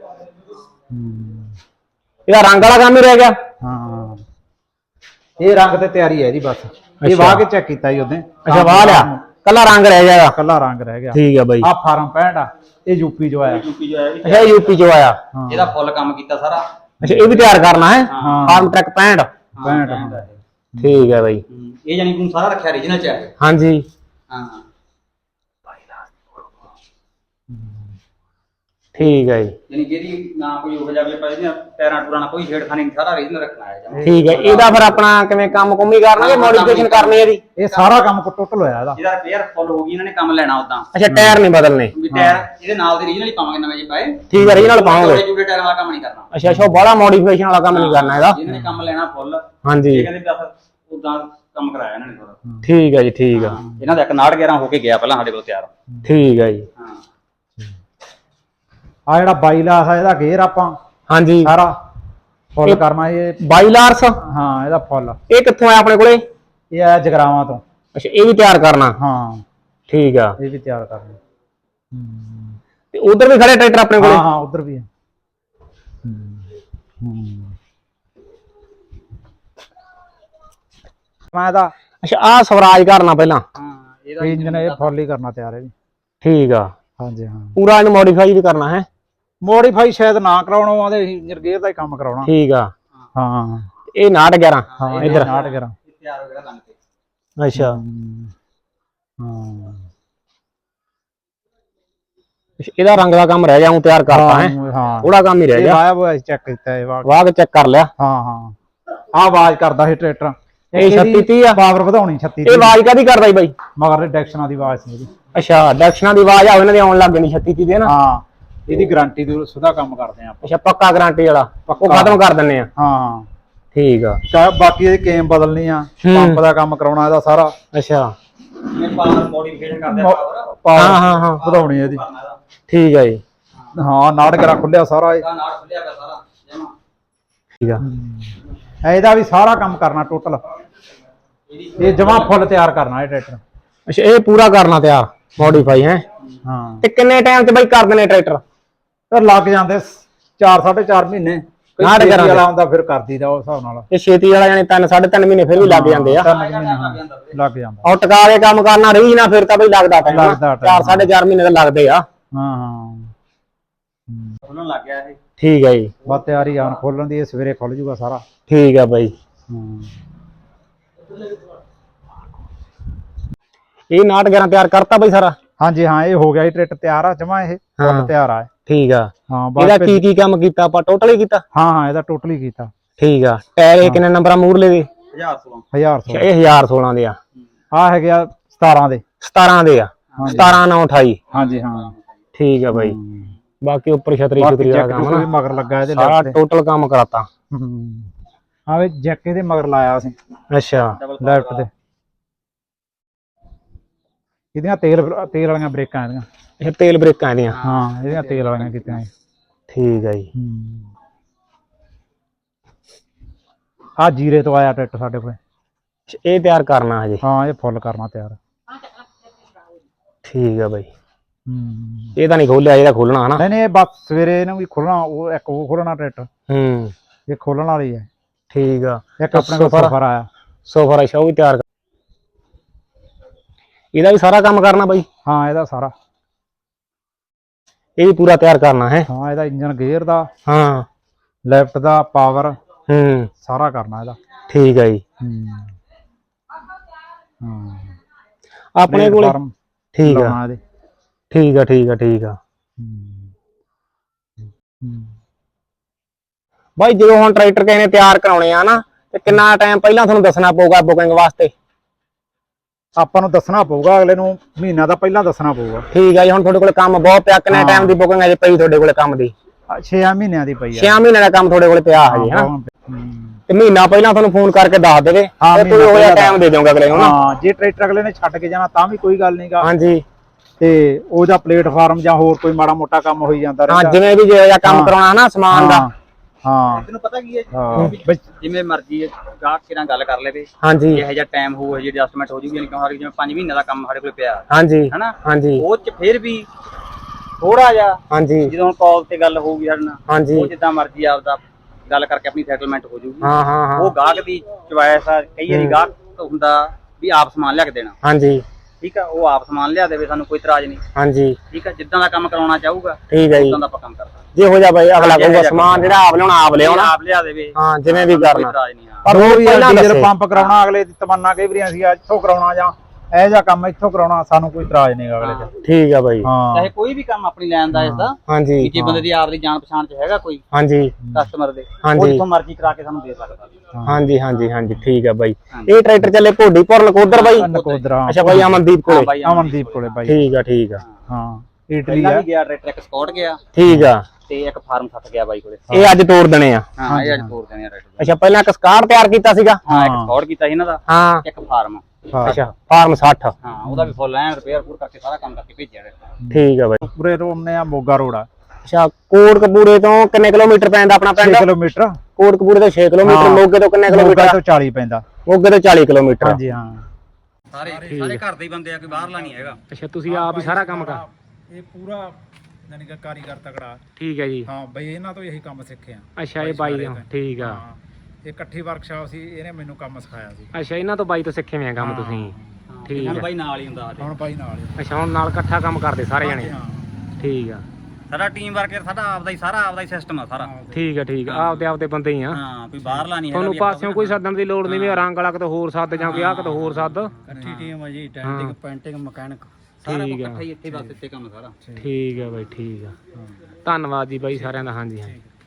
Speaker 1: ਇਹਦਾ ਰੰਗ ਵਾਲਾ ਕੰਮ ਹੀ ਰਹਿ ਗਿਆ।
Speaker 2: ਹਾਂ ਇਹ ਰੰਗ ਤੇ ਤਿਆਰੀ ਹੈ ਇਹਦੀ ਬਸ। ਇਹ ਵਾਹ ਕੇ ਚੈੱਕ ਕੀਤਾ ਜੀ ਉਹਦੇ।
Speaker 1: ਅੱਛਾ, ਵਾਹ ਲਿਆ, ਕੱਲਾ ਰੰਗ ਰਹਿ ਜਾਏਗਾ।
Speaker 2: ਕੱਲਾ ਰੰਗ ਰਹਿ ਗਿਆ।
Speaker 1: ਠੀਕ ਹੈ ਬਾਈ।
Speaker 2: ਆ ਫਾਰਮ ਪੈਂਹਠ ਆ, ਇਹ ਯੂਪੀ ਚੋਂ ਆਇਆ।
Speaker 3: ਯੂਪੀ ਜੋ ਆਇਆ ਵੀ
Speaker 1: ਅੱਛਾ, ਯੂਪੀ ਚੋਂ ਆਇਆ।
Speaker 2: ਹਾਂ
Speaker 3: ਇਹਦਾ ਫੁੱਲ ਕੰਮ ਕੀਤਾ ਸਾਰਾ।
Speaker 1: ਅੱਛਾ, ਇਹ ਵੀ ਤਿਆਰ ਕਰਨਾ ਹੈ।
Speaker 2: ਹਾਂ।
Speaker 1: ਫਾਰਮ ਟਰੈਕ ਪੈਂਹਠ।
Speaker 2: ਪੈਂਹਠ
Speaker 3: ਪੈਂਹਠ ਆ।
Speaker 1: ਠੀਕ ਹੈ ਬਾਈ।
Speaker 3: ਹੂੰ, ਇਹ ਜਾਨੀ ਕਿ ਸਾਰਾ ਰੱਖਿਆ ਰੀਜਨਲ ਚ ਹੈ।
Speaker 1: ਹਾਂਜੀ।
Speaker 3: ਹਾਂ
Speaker 1: ਠੀਕ ਹੈ ਜੀ।
Speaker 3: ਯਾਨੀ ਜਿਹਦੀ ਨਾ ਕੋਈ ਹੋ ਜਾਵੇ ਪਰ ਇਹਦੀਆਂ ਪੈਰਾਂ ਟੂਰਾਂ ਨਾਲ ਕੋਈ ਛੇੜਖਾਨੀ ਨਹੀਂ, ਸਾਰਾ ਰੀਜਨਲ ਰੱਖਣਾ ਹੈ ਜਮਾਂ।
Speaker 1: ਠੀਕ ਹੈ। ਇਹਦਾ ਫਿਰ ਆਪਣਾ ਕਿਵੇਂ ਕੰਮ ਕੁੰਮੀ ਕਰਨਾ ਕਿ ਮੋਡੀਫਿਕੇਸ਼ਨ ਕਰਨੀ ਹੈ ਇਹਦੀ?
Speaker 2: ਇਹ ਸਾਰਾ ਕੰਮ ਟੋਟਲ ਹੋਇਆ ਇਹਦਾ।
Speaker 3: ਜਿਹਦਾ ਰਿਪੇਅਰ ਫੁੱਲ ਹੋ ਗਈ ਇਹਨਾਂ ਨੇ ਕੰਮ ਲੈਣਾ ਉਦਾਂ
Speaker 1: ਅੱਛਾ, ਟਾਇਰ ਨਹੀਂ ਬਦਲਨੇ।
Speaker 3: ਵੀ ਟਾਇਰ ਇਹਦੇ ਨਾਲ ਦੇ ਰੀਜਨਲ ਹੀ ਪਾਵਾਂਗੇ ਨਵੇਂ ਜਿਹੇ ਪਾਏ।
Speaker 1: ਠੀਕ ਹੈ, ਰੀਜਨਲ ਪਾਓਗੇ।
Speaker 3: ਛੋਟੇ ਛੋਟੇ ਟਾਇਰਾਂ ਵਾਲਾ ਕੰਮ ਨਹੀਂ ਕਰਨਾ।
Speaker 1: ਅੱਛਾ ਅੱਛਾ, ਬੜਾ ਮੋਡੀਫਿਕੇਸ਼ਨ ਵਾਲਾ ਕੰਮ ਨਹੀਂ ਕਰਨਾ ਇਹਦਾ।
Speaker 3: ਜਿਹਨਾਂ ਨੇ ਕੰਮ ਲੈਣਾ ਫੁੱਲ,
Speaker 1: ਹਾਂਜੀ,
Speaker 3: ਇਹ ਕਹਿੰਦੇ ਬਸ ਉਦਾਂ ਕੰਮ ਕਰਾਇਆ ਇਹਨਾਂ ਨੇ ਥੋੜਾ।
Speaker 1: ਠੀਕ ਹੈ ਜੀ। ਠੀਕ ਆ।
Speaker 3: ਇਹਨਾਂ ਦਾ ਇੱਕ ਨਾੜ ਗਿਆਰਾਂ ਹੋ ਕੇ ਗਿਆ ਪਹਿਲਾਂ ਸਾਡੇ ਕੋਲ ਤਿਆਰ।
Speaker 1: ਠੀਕ ਹੈ ਜੀ।
Speaker 3: ਹਾਂ
Speaker 2: ਆ ਜਿਹੜਾ ਬਾਈ ਲਾਸ ਆ ਇਹਦਾ ਗੇਅਰ ਆਪਾਂ
Speaker 1: ਹਾਂਜੀ,
Speaker 2: ਸਾਰਾ ਫੁੱਲ ਕਰਨਾ। ਇਹ
Speaker 1: ਬਾਈ ਲਾਰਸ।
Speaker 2: ਹਾਂ ਇਹਦਾ ਫੁੱਲ
Speaker 1: ਇਹ ਕਿੱਥੋਂ ਆਇਆ ਆਪਣੇ ਕੋਲੇ?
Speaker 2: ਇਹ ਆ ਜਗਰਾਵਾਂ ਤੋਂ।
Speaker 1: ਅੱਛਾ, ਇਹ ਵੀ ਤਿਆਰ ਕਰਨਾ।
Speaker 2: ਹਾਂ
Speaker 1: ਠੀਕ ਆ।
Speaker 2: ਇਹ ਵੀ ਤਿਆਰ ਕਰਨਾ।
Speaker 1: ਤੇ ਉਧਰ ਵੀ ਖੜੇ ਟਰੈਕਟਰ ਆਪਣੇ ਕੋਲੇ?
Speaker 2: ਹਾਂ ਹਾਂ ਉਧਰ ਵੀ ਹੈ। ਮੈਂ ਇਹਦਾ
Speaker 1: ਅੱਛਾ, ਆਹ ਸਵਰਾਜ ਕਰਨਾ ਪਹਿਲਾਂ।
Speaker 3: ਹਾਂ ਇਹਦਾ
Speaker 2: ਇੰਜਨ ਇਹ ਫੁੱਲ ਹੀ ਕਰਨਾ ਤਿਆਰ ਹੈ ਜੀ।
Speaker 1: ਠੀਕ ਆ।
Speaker 2: ਹਾਂਜੀ ਹਾਂ
Speaker 1: ਪੂਰਾ ਇਹਨੂੰ ਮੋਡੀਫਾਈ ਵੀ ਕਰਨਾ ਹੈ?
Speaker 2: ਮੋਡੀਫਾਈ ਸ਼ਾਇਦ ਨਾ ਕਰਾਉਣਾ, ਉਹਦੇ ਇੰਜਨ ਗੇਅਰ ਦਾ ਹੀ ਕੰਮ ਕਰਾਉਣਾ।
Speaker 1: ਠੀਕ ਆ।
Speaker 2: ਹਾਂ
Speaker 1: ਇਹ ਨਾਟ ਗਿਆਰਾਂ।
Speaker 2: ਹਾਂ
Speaker 1: ਇੱਧਰ
Speaker 2: ਨਾਟ ਕਰਾਂ।
Speaker 3: ਤਿਆਰ ਹੋ ਗਿਆ ਰੰਗ ਤੇ।
Speaker 1: ਅੱਛਾ,
Speaker 2: ਹਾਂ
Speaker 1: ਇਹਦਾ ਰੰਗ ਦਾ ਕੰਮ ਰਹਿ ਗਿਆ, ਉਹ ਤਿਆਰ ਕਰਤਾ ਹੈ।
Speaker 2: ਹਾਂ
Speaker 1: ਥੋੜਾ ਕੰਮ ਹੀ ਰਹਿ
Speaker 2: ਇਹ
Speaker 1: ਗਿਆ।
Speaker 2: ਵਾਇਆ ਹੋਇਆ ਚੈੱਕ ਕੀਤਾ ਇਹ ਵਾਹ।
Speaker 1: ਵਾਹ ਕੇ ਚੈੱਕ ਕਰ ਲਿਆ।
Speaker 2: ਹਾਂ ਹਾਂ ਆਹ ਆਵਾਜ਼ ਕਰਦਾ ਸੀ ਟਰੈਕਟਰ।
Speaker 1: ਇਹ ਛੱਤੀ ਤੀਹ ਆ।
Speaker 2: ਪਾਵਰ ਵਧਾਉਣੀ ਛੱਤੀ
Speaker 1: ਇਹ ਆਵਾਜ਼ ਕਾਦੀ ਕਰਦਾ ਜੀ ਬਾਈ?
Speaker 2: ਮਗਰ ਡੈਕਸ਼ਨਾਂ ਦੀ ਆਵਾਜ਼ ਸੀ ਇਹਦੀ।
Speaker 1: ਅੱਛਾ, ਡੈਕਸ਼ਨਾਂ ਦੀ ਆਵਾਜ਼ ਆ ਇਹਨਾਂ ਦੇ ਆਉਣ ਲੱਗ ਗਈ ਛੱਤੀ ਤੀਹ ਦੇ ਨਾ।
Speaker 2: ਹਾਂ ਇਹਦੀ ਗਾਰੰਟੀ ਦੀ ਸੁਦਾ ਕੰਮ ਕਰਦੇ ਆ।
Speaker 1: ਅੱਛਾ, ਪੱਕਾ ਗਾਰੰਟੀ ਵਾਲਾ ਉਹ ਖਤਮ ਕਰ ਦਿੰਨੇ ਆ।
Speaker 2: ਹਾਂ
Speaker 1: ਠੀਕ ਆ।
Speaker 2: ਚਾਹੇ ਬਾਕੀ ਇਹਦੀ ਕੇਮ ਬਦਲਣੀ ਆ, ਪੰਪ ਦਾ ਕੰਮ ਕਰਾਉਣਾ ਇਹਦਾ ਸਾਰਾ।
Speaker 1: ਅੱਛਾ,
Speaker 3: ਇਹ ਪਾਵਰ ਮੋਡੀਫਿਕੇਸ਼ਨ ਕਰਦੇ ਆ ਪਾਵਰ।
Speaker 2: ਪਾਵਰ
Speaker 1: ਹਾਂ ਹਾਂ ਹਾਂ,
Speaker 2: ਵਧਾਉਣੀ ਇਹਦੀ।
Speaker 3: ਕਰਨਾ ਇਹਦਾ।
Speaker 1: ਠੀਕ ਆ ਜੀ।
Speaker 2: ਹਾਂ ਨਾੜ ਗਰਾ ਖੁੱਲਿਆ ਸਾਰਾ ਇਹ।
Speaker 3: ਇਹਦਾ ਨਾਲ ਖੁੱਲਿਆ ਪਿਆ ਸਾਰਾ ਜਮਾ।
Speaker 1: ਠੀਕ ਆ
Speaker 2: ਇਹਦਾ ਵੀ ਸਾਰਾ ਕੰਮ ਕਰਨਾ ਟੋਟਲ, ਇਹ ਜਮਾ ਫੁੱਲ ਤਿਆਰ ਕਰਨਾ ਇਹ ਟਰੈਕਟਰ।
Speaker 1: ਅੱਛਾ ਇਹ ਪੂਰਾ ਕਰਨਾ ਤਿਆਰ ਮੋਡੀਫਾਈ ਹੈ।
Speaker 2: ਹਾਂ
Speaker 1: ਤੇ ਕਿੰਨੇ ਟਾਈਮ ਤੇ ਬਾਈ ਕਰ ਦਿੰਦੇ ਟਰੈਕਟਰ?
Speaker 2: ਫਿਰ ਲੱਗ ਜਾਂਦੇ ਚਾਰ ਸਾਢੇ ਚਾਰ ਮਹੀਨੇ।
Speaker 1: ਨਾੜ
Speaker 2: ਨਾੜ
Speaker 1: ਗਰਾਂ
Speaker 2: ਵਾਲਾ ਹੁੰਦਾ ਫਿਰ ਕਰਦੀ ਦਾ ਉਸ ਹਿਸਾਬ ਨਾਲ।
Speaker 1: ਇਹ ਛੇਤੀ ਵਾਲਾ ਜਾਨੀ ਤਿੰਨ ਸਾਢੇ ਤਿੰਨ ਮਹੀਨੇ ਫਿਰ ਵੀ ਲੱਗ ਜਾਂਦੇ ਆ।
Speaker 2: ਤਿੰਨ ਮਹੀਨੇ ਹਾਂ, ਲੱਗ ਜਾਂਦਾ।
Speaker 1: ਔਰ ਟਕਾ ਕੇ ਕੰਮ ਕਰਨਾ ਰਹੀ ਨਾ ਫਿਰ ਤਾਂ ਬਈ ਲੱਗਦਾ ਟਾਈਮ
Speaker 2: ਲੱਗਦਾ time,
Speaker 1: ਚਾਰ ਸਾਢੇ ਚਾਰ ਮਹੀਨੇ ਤਾਂ ਲੱਗਦੇ ਆ।
Speaker 2: ਹਾਂ ਹਾਂ
Speaker 3: ਖੁੱਲਣ ਲੱਗ ਗਿਆ ਇਹ।
Speaker 1: ਠੀਕ ਹੈ ਜੀ
Speaker 2: ਬਸ ਤਿਆਰੀ ਆਣ ਖੋਲਣ ਦੀ, ਇਹ ਸਵੇਰੇ ਖੁੱਲ ਜੂਗਾ ਸਾਰਾ।
Speaker 1: ਠੀਕ ਆ ਬਾਈ।
Speaker 2: ਹਾਂ
Speaker 1: ਇਹ ਨਾਟ ਗਿਆਰਾਂ ਤਿਆਰ ਕਰਤਾ ਬਾਈ ਸਾਰਾ?
Speaker 2: ਹਾਂਜੀ ਹਾਂ ਇਹ ਹੋ ਗਿਆ ਜੀ ਟਰੈਕਟਰ ਤਿਆਰ ਆ ਜਮਾ, ਇਹ ਫੁੱਲ ਤਿਆਰ ਆ।
Speaker 1: ਠੀਕ ਆ
Speaker 2: ਹਾਂ
Speaker 1: ਇਹਦਾ
Speaker 2: ਬਸ
Speaker 1: ਕੀ ਕੀ ਕੰਮ ਕੀਤਾ ਆਪਾਂ? ਟੋਟਲ ਹੀ ਕੀਤਾ?
Speaker 2: ਹਾਂ ਹਾਂ ਇਹਦਾ ਟੋਟਲੀ ਕੀਤਾ।
Speaker 1: ਠੀਕ ਆ ਟਾਇਰ ਇਹ ਕਿੰਨੇ ਨੰਬਰਾਂ ਮੂਰਲੇ ਦੇ?
Speaker 3: ਹਜ਼ਾਰ ਸੋਲਾਂ।
Speaker 2: ਹਜ਼ਾਰ
Speaker 1: ਅੱਛਾ
Speaker 2: ਸੌ
Speaker 1: ਇਹ ਹਜ਼ਾਰ ਸੋਲਾਂ ਦੇ ਆ।
Speaker 2: ਆ ਹੈਗੇ ਆ ਸਤਾਰਾਂ ਦੇ।
Speaker 1: ਸਤਾਰਾਂ ਦੇ ਆ। ਸਤਾਰਾਂ ਨੌ ਅਠਾਈ।
Speaker 2: ਹਾਂਜੀ ਹਾਂ
Speaker 1: ਠੀਕ ਆ ਬਾਈ। ਬਾਕੀ ਉੱਪਰ ਛਤਰੀ
Speaker 2: ਬਾਕੀ
Speaker 1: ਛਤਰੀ ਦਾ
Speaker 2: ਜੈਕ
Speaker 1: ਕੰਮ
Speaker 2: ਵੀ
Speaker 1: ਨਾ
Speaker 2: ਮਗਰ ਲੱਗਾ ਇਹਦੇ
Speaker 1: ਸਾਰਾ
Speaker 2: ਲੈਫਟ ਤੇ।
Speaker 1: ਟੋਟਲ ਕੰਮ ਕਰਾਤਾ।
Speaker 2: ਹਾਂ ਵੇ ਜੈਕ ਇਹਦੇ ਮਗਰ ਲਾਇਆ ਅਸੀਂ
Speaker 1: ਅੱਛਾ
Speaker 2: ਲੈਫਟ ਤੇ। ਇਹਦੀਆਂ ਤੇਲ ਤੇਲ ਵਾਲੀਆਂ ਬ੍ਰੇਕਾਂ ਇਹਦੀਆਂ।
Speaker 1: ਇਹ ਤੇਲ ਬ੍ਰੇਕਾਂ ਇਹਦੀਆਂ?
Speaker 2: ਹਾਂ ਇਹਦੀਆਂ ਤੇਲ ਵਾਲੀਆਂ ਕੀਤੀਆਂ ਇਹ।
Speaker 1: ਠੀਕ ਆ ਜੀ।
Speaker 2: ਆ ਜੀਰੇ ਤੋਂ ਆਇਆ ਟਰੈਕਟਰ ਸਾਡੇ ਕੋਲ।
Speaker 1: ਇਹ ਤਿਆਰ ਕਰਨਾ ਹਜੇ?
Speaker 2: ਹਾਂ ਇਹ ਫੁੱਲ ਕਰਨਾ ਤਿਆਰ।
Speaker 1: ਠੀਕ ਆ ਬਾਈ।
Speaker 2: ਹੂੰ
Speaker 1: ਇਹ ਤਾਂ ਨਹੀਂ ਖੋਲਿਆ, ਇਹਦਾ ਖੋਲਣਾ ਹਨਾ?
Speaker 2: ਨਹੀਂ ਨਹੀਂ ਇਹ ਬਸ ਸਵੇਰੇ ਇਹਨੂੰ ਵੀ ਖੋਲਣਾ, ਉਹ ਇੱਕ ਉਹ ਖੋਲਣਾ ਟਰੈਕਟਰ।
Speaker 1: ਹੂੰ
Speaker 2: ਇਹ ਖੋਲਣ ਵਾਲੀ ਹੈ।
Speaker 1: ਠੀਕ ਆ।
Speaker 2: ਇੱਕ ਆਪਣੇ ਕੋਲ ਸੋਫਰ ਆਇਆ।
Speaker 1: ਸੋਫਰ ਅੱਛਾ ਉਹ ਵੀ ਤਿਆਰ ਕਰ, ਇਹਦਾ ਵੀ ਸਾਰਾ ਕੰਮ ਕਰਨਾ ਬਾਈ?
Speaker 2: ਹਾਂ ਇਹਦਾ ਸਾਰਾ,
Speaker 1: ਇਹ ਵੀ ਪੂਰਾ ਤਿਆਰ ਕਰਨਾ ਹੈ?
Speaker 2: ਹਾਂ ਇਹਦਾ ਇੰਜਨ ਗੇਅਰ ਦਾ,
Speaker 1: ਹਾਂ
Speaker 2: ਲੈਫਟ ਦਾ, ਪਾਵਰ,
Speaker 1: ਹੂੰ
Speaker 2: ਸਾਰਾ ਕਰਨਾ ਇਹਦਾ।
Speaker 1: ਠੀਕ ਆ ਜੀ।
Speaker 2: ਹੂੰ ਹਾਂ
Speaker 1: ਆਪਣੇ ਕੋਲੇ ਠੀਕ ਆ।
Speaker 2: ਲਾਉਣਾ ਇਹਦੇ।
Speaker 1: ਠੀਕ ਆ ਠੀਕ ਆ ਠੀਕ ਆ ਬਾਈ। ਜਦੋਂ ਹੁਣ ਟਰੈਕਟਰ ਕਿਸੇ ਨੇ ਤਿਆਰ ਕਰਾਉਣੇ ਆ ਨਾ ਤੇ ਕਿੰਨਾ ਟਾਈਮ ਪਹਿਲਾਂ ਤੁਹਾਨੂੰ ਦੱਸਣਾ ਪਊਗਾ ਬੁਕਿੰਗ ਵਾਸਤੇ?
Speaker 2: ਆਪਾਂ ਨੂੰ ਦੱਸਣਾ ਪਊਗਾ ਅਗਲੇ ਨੂੰ, ਮਹੀਨਾ ਦਾ ਪਹਿਲਾਂ ਦੱਸਣਾ ਪਊਗਾ।
Speaker 1: ਠੀਕ ਆ ਜੀ। ਹੁਣ ਤੁਹਾਡੇ ਕੋਲ ਕੰਮ ਬਹੁਤ ਪਿਆ, ਕਿੰਨੇ ਟਾਈਮ ਦੀ ਬੁਕਿੰਗ ਅਜੇ ਪਈ ਤੁਹਾਡੇ ਕੋਲੇ ਕੰਮ ਦੀ?
Speaker 2: ਛੇ ਮਹੀਨਿਆਂ ਦੀ ਪਈ ਆ।
Speaker 1: ਛੇ ਮਹੀਨੇ ਦਾ ਕੰਮ ਤੁਹਾਡੇ ਕੋਲੇ ਪਿਆ ਹਜੇ ਹਨਾ? ਤੇ ਮਹੀਨਾ ਪਹਿਲਾਂ ਤੁਹਾਨੂੰ ਫੋਨ ਕਰਕੇ ਦੱਸ ਦੇਵੇ ਤੇ ਕੋਈ ਉਹ ਜਿਹਾ ਟਾਈਮ ਦੇ ਦਿਓਗੇ ਅਗਲੇ ਨੂੰ ਨਾ?
Speaker 2: ਹਾਂ ਜੇ ਟਰੈਕਟਰ ਅਗਲੇ ਨੇ ਛੱਡ ਕੇ ਜਾਣਾ ਤਾਂ ਵੀ ਕੋਈ ਗੱਲ ਨਹੀਂਗਾ।
Speaker 1: ਹਾਂਜੀ
Speaker 2: ਤੇ ਉਹਦਾ ਪਲੇਟਫਾਰਮ ਜਾਂ ਹੋਰ ਕੋਈ ਮਾੜਾ ਮੋਟਾ ਕੰਮ ਹੋਈ ਜਾਂਦਾ
Speaker 1: ਹਾਂ,
Speaker 2: ਰਹਿੰਦਾ।
Speaker 1: ਜਿਵੇਂ ਵੀ ਜਿਹੜਾ ਕੰਮ ਕਰਾਉਣਾ ਨਾ ਸਮਾਨ ਦਾ।
Speaker 2: ਹਾਂ
Speaker 3: ਤੈਨੂੰ ਪਤਾ ਕੀ ਹੈ
Speaker 2: ਹਾਂ
Speaker 3: ਜਿਵੇਂ ਮਰਜ਼ੀ ਹੈ ਗਾਹਕ ਕੇ ਨਾਲ ਗੱਲ ਕਰ ਲਵੇ।
Speaker 1: ਹਾਂਜੀ
Speaker 3: ਇਹੋ ਜਿਹਾ ਟਾਈਮ ਹੋਊ, ਇਹੋ ਜਿਹੀ ਐਡਜਸਟਮੈਂਟ ਹੋ ਜੂਗੀ। ਨਹੀਂ ਕਿਉਂ ਜਿਵੇਂ ਪੰਜ ਮਹੀਨੇ ਦਾ ਕੰਮ ਸਾਡੇ ਕੋਲ ਪਿਆ
Speaker 1: ਹਾਂਜੀ
Speaker 3: ਹਨਾ,
Speaker 1: ਹਾਂਜੀ
Speaker 3: ਉਹ ਚ ਫਿਰ ਵੀ ਥੋੜਾ ਜਿਹਾ
Speaker 1: ਹਾਂਜੀ
Speaker 3: ਜਦੋਂ ਕਾਲ ਤੇ ਗੱਲ ਹੋਊਗੀ ਸਾਡੇ ਨਾਲ,
Speaker 1: ਹਾਂਜੀ
Speaker 3: ਉਹ ਜਿੱਦਾਂ ਮਰਜ਼ੀ ਆਪਦਾ ਗੱਲ ਕਰਕੇ ਆਪਣੀ ਸੈਟਲਮੈਂਟ ਹੋ ਜੂਗੀ।
Speaker 1: ਹਾਂ ਹਾਂ ਹਾਂ
Speaker 3: ਉਹ ਗਾਹਕ ਦੀ ਚੁਆਇਸ ਆ। ਕਈ ਵਾਰੀ ਗਾਹਕ ਹੁੰਦਾ ਵੀ ਆਪ ਸਮਾਨ ਲਿਆ ਕੇ ਦੇਣਾ,
Speaker 1: ਹਾਂਜੀ
Speaker 3: ਠੀਕ ਆ, ਉਹ ਆਪ ਸਮਾਨ ਲਿਆ ਦੇਵੇ, ਸਾਨੂੰ ਕੋਈ ਇਤਰਾਜ਼ ਨਹੀਂ,
Speaker 1: ਹਾਂਜੀ
Speaker 3: ਠੀਕ ਆ। ਜਿੱਦਾਂ ਦਾ ਕੰਮ ਕਰਾਉਣਾ ਚਾਹੂਗਾ
Speaker 1: ਠੀਕ ਹੈ ਜੀ।
Speaker 3: ਉਦਾਂ ਦਾ ਆਪਾਂ ਕੰਮ ਕਰਦਾ।
Speaker 1: ਜੇ ਹੋ ਜਾ ਬਾਈ ਅਗਲਾ ਕਹੂਗਾ ਸਮਾਨ ਜਿਹੜਾ ਆਪ ਲਿਆਉਣਾ ਆਪ ਲਿਆਉਣਾ,
Speaker 3: ਆਪ ਲਿਆ ਦੇਵੇ,
Speaker 1: ਹਾਂ ਜਿਵੇਂ ਵੀ
Speaker 3: ਕੋਈ
Speaker 1: ਕਰਨਾ।
Speaker 3: ਇਤਰਾਜ਼ ਨਹੀਂ। ਹਾਂ
Speaker 1: ਪਰ
Speaker 2: ਉਹ
Speaker 1: ਉਹ
Speaker 2: ਵੀ
Speaker 1: ਪਹਿਲਾਂ
Speaker 2: ਡੀਜ਼ਲ
Speaker 1: ਦੱਸੇ।
Speaker 2: ਪੰਪ ਕਰਾਉਣਾ ਅਗਲੇ ਦੀ ਤਮੰਨਾ ਕਈ ਵਾਰੀ ਅਸੀਂ ਇੱਥੋਂ ਕਰਾਉਣਾ ਜਾਂ ਇਹ ਜਿਹਾ ਕੰਮ ਇੱਥੋਂ ਕਰਾਉਣਾ, ਸਾਨੂੰ ਕੋਈ ਇਤਰਾਜ਼ ਨਹੀਂ ਅਗਲੇ ਤੇ।
Speaker 1: ਠੀਕ ਆ ਬਾਈ।
Speaker 2: ਹਾਂ
Speaker 3: ਚਾਹੇ ਕੋਈ ਵੀ ਕੰਮ ਆਪਣੀ ਲੈਣ ਦਾ ਇਸਦਾ,
Speaker 1: ਹਾਂਜੀ
Speaker 3: ਜੇ ਬੰਦੇ ਦੀ ਆਪ ਦੀ ਜਾਣ ਪਛਾਣ ਚ ਹੈਗਾ ਕੋਈ
Speaker 1: ਹਾਂਜੀ
Speaker 3: ਕਸਟਮਰ ਦੇ, ਉਹ
Speaker 1: ਹਾਂਜੀ
Speaker 3: ਜਿੱਥੋਂ ਮਰਜ਼ੀ ਕਰਾ ਕੇ ਸਾਨੂੰ ਦੇ ਸਕਦਾ।
Speaker 1: ਹਾਂਜੀ ਹਾਂਜੀ ਹਾਂਜੀ ਠੀਕ ਆ ਬਾਈ। ਇਹ ਟਰੈਕਟਰ ਚੱਲੇ ਭੋਡੀ ਪੁਰ ਨਕੋਦਰ ਬਾਈ?
Speaker 2: ਨਕੋਦਰਾ।
Speaker 1: ਅੱਛਾ ਬਾਈ ਅਮਨਦੀਪ ਕੋਲੇ?
Speaker 3: ਬਾਈ
Speaker 2: ਅਮਨਦੀਪ ਕੋਲੇ ਬਾਈ।
Speaker 1: ਠੀਕ ਆ ਠੀਕ ਆ
Speaker 2: ਹਾਂ ਇਟਲੀ
Speaker 3: ਪਹਿਲਾਂ
Speaker 2: ਆ।
Speaker 3: ਵੀ ਗਿਆ ਟਰੈਕਟਰ, ਇੱਕ ਸਕਾਟ ਗਿਆ
Speaker 1: ਠੀਕ ਆ।
Speaker 3: ਤੇ ਇੱਕ ਫਾਰਮ ਸੱਤ ਗਿਆ ਬਾਈ ਕੋਲੇ।
Speaker 1: ਇਹ ਅੱਜ ਤੋੜ ਦੇਣੇ ਆ?
Speaker 3: ਹਾਂ ਇਹ ਅੱਜ ਤੋੜ ਦੇਣੇ ਆ ਟਰੈਕਟਰ।
Speaker 1: ਅੱਛਾ ਪਹਿਲਾਂ ਇੱਕ ਸਕਾਰ ਤਿਆਰ ਕੀਤਾ ਸੀਗਾ?
Speaker 3: ਹਾਂ ਇੱਕ ਸਕਾਟ ਕੀਤਾ ਸੀ ਇਹਨਾਂ ਦਾ,
Speaker 1: ਹਾਂ
Speaker 3: ਇੱਕ ਫਾਰਮ।
Speaker 1: ਅੱਛਾ ਫਾਰਮ ਸੱਠ?
Speaker 3: ਹਾਂ ਉਹਦਾ ਵੀ ਫੁੱਲ ਐਨ ਰਿਪੇਅਰ ਪੂਰ ਕਰਕੇ ਸਾਰਾ ਕੰਮ ਕਰਕੇ ਭੇਜਿਆ ਟਰੈਕਟਰ।
Speaker 1: ਠੀਕ ਆ ਬਾਈ।
Speaker 2: ਪੂਰੇ ਰੋਮਨੇ ਆ ਮੋਗਾ ਰੋਡ ਆ।
Speaker 1: ਅੱਛਾ ਕੋਟਕਪੂਰੇ ਤੋਂ ਕਿੰਨੇ ਕਿਲੋਮੀਟਰ ਪੈਂਦਾ ਆਪਣਾ ਪਿੰਡ?
Speaker 2: ਛੇ ਕਿਲੋਮੀਟਰ।
Speaker 1: ਕੋਟਕਪੂਰੇ ਤੋਂ ਛੇ ਕਿਲੋਮੀਟਰ। ਮੋਗੇ ਤੋਂ ਕਿੰਨੇ
Speaker 2: ਮੋਗਾ
Speaker 1: ਕਿਲੋਮੀਟਰ?
Speaker 2: ਤੋਂ ਚਾਲੀ ਪੈਂਦਾ।
Speaker 1: ਮੋਗੇ ਤੋਂ ਚਾਲੀ ਕਿਲੋਮੀਟਰ।
Speaker 2: ਹਾਂਜੀ ਹਾਂ
Speaker 3: ਸਾਰੇ ਸਾਰੇ ਘਰ ਦੇ ਹੀ ਬੰਦੇ ਆ, ਕੋਈ ਬਾਹਰਲਾ ਨਹੀਂ ਹੈਗਾ।
Speaker 1: ਅੱਛਾ ਤੁਸੀਂ ਆਪ ਹੀ ਸਾਰਾ ਕੰਮ ਕਰ?
Speaker 2: ਇਹ ਪੂਰਾ ਯਾਨੀ ਕਿ ਕਾਰੀਗਰ ਤਕੜਾ।
Speaker 1: ਠੀਕ ਹੈ ਜੀ।
Speaker 2: ਹਾਂ ਬਈ ਇਹਨਾਂ ਤੋਂ ਇਹੀ ਕੰਮ ਸਿੱਖੇ ਆ।
Speaker 1: ਅੱਛਾ ਇਹ ਬਾਈ ਦਾ? ਠੀਕ ਆ।
Speaker 2: ਹਾਂ ਇਹ ਇਕੱਠੀ ਵਰਕਸ਼ਾਪ ਸੀ, ਇਹਨੇ ਮੈਨੂੰ ਕੰਮ ਸਿਖਾਇਆ ਸੀ।
Speaker 1: ਅੱਛਾ ਇਹਨਾਂ ਤੋਂ ਬਾਈ ਤੋਂ ਸਿੱਖੇ ਹੋਏ ਆ ਕੰਮ ਤੁਸੀਂ? ਠੀਕ
Speaker 3: ਹੁਣ
Speaker 1: ਆ।
Speaker 3: ਬਾਈ ਨਾਲ ਹੀ ਹੁੰਦਾ ਸਾਡੇ।
Speaker 2: ਹੁਣ ਬਾਈ ਨਾਲ ਹੀ।
Speaker 1: ਅੱਛਾ ਹੁਣ ਨਾਲ ਇਕੱਠਾ ਕੰਮ ਕਰਦੇ ਸਾਰੇ ਜਣੇ?
Speaker 2: ਹਾਂ
Speaker 1: ਠੀਕ ਆ
Speaker 3: ਸਾਡਾ ਟੀਮ ਵਰਕ ਸਾਡਾ ਆਪਦਾ ਹੀ ਸਾਰਾ ਆਪਦਾ ਹੀ ਸਿਸਟਮ ਆ ਸਾਰਾ।
Speaker 1: ਠੀਕ ਆ ਠੀਕ ਆ। ਆਪਦੇ ਆਪਦੇ ਬੰਦੇ ਹੀ ਆ?
Speaker 3: ਹਾਂ ਕੋਈ ਬਾਹਰਲਾ ਨਹੀਂ ਹੈਗਾ।
Speaker 1: ਤੁਹਾਨੂੰ ਪਾਸਿਓਂ ਕੋਈ ਸੱਦਣ ਦੀ ਲੋੜ ਨਹੀਂ ਵੀ ਰੰਗ ਵਾਲਾ ਕਿਤੇ ਹੋਰ ਸੱਦ ਜਾਂ ਕੋਈ ਆ ਕਿਤੇ ਹੋਰ ਸੱਦ?
Speaker 3: ਇਕੱਠੀ ਟੀਮ ਆ ਜੀ, ਟੈਂਟਿੰਗ ਪੇਂਟਿੰਗ ਮਕੈਨਿਕ ਸਾਰਾ ਕੁਝ ਇਕੱਠਾ ਹੀ ਇੱਥੇ ਬਸ ਇੱਥੇ ਕੰਮ ਸਾਰਾ।
Speaker 1: ਠੀਕ ਆ ਬਾਈ ਠੀਕ ਆ। ਧੰਨਵਾਦ ਜੀ ਬਾਈ ਸਾਰਿਆਂ ਦਾ। ਹਾਂਜੀ ਹਾਂ।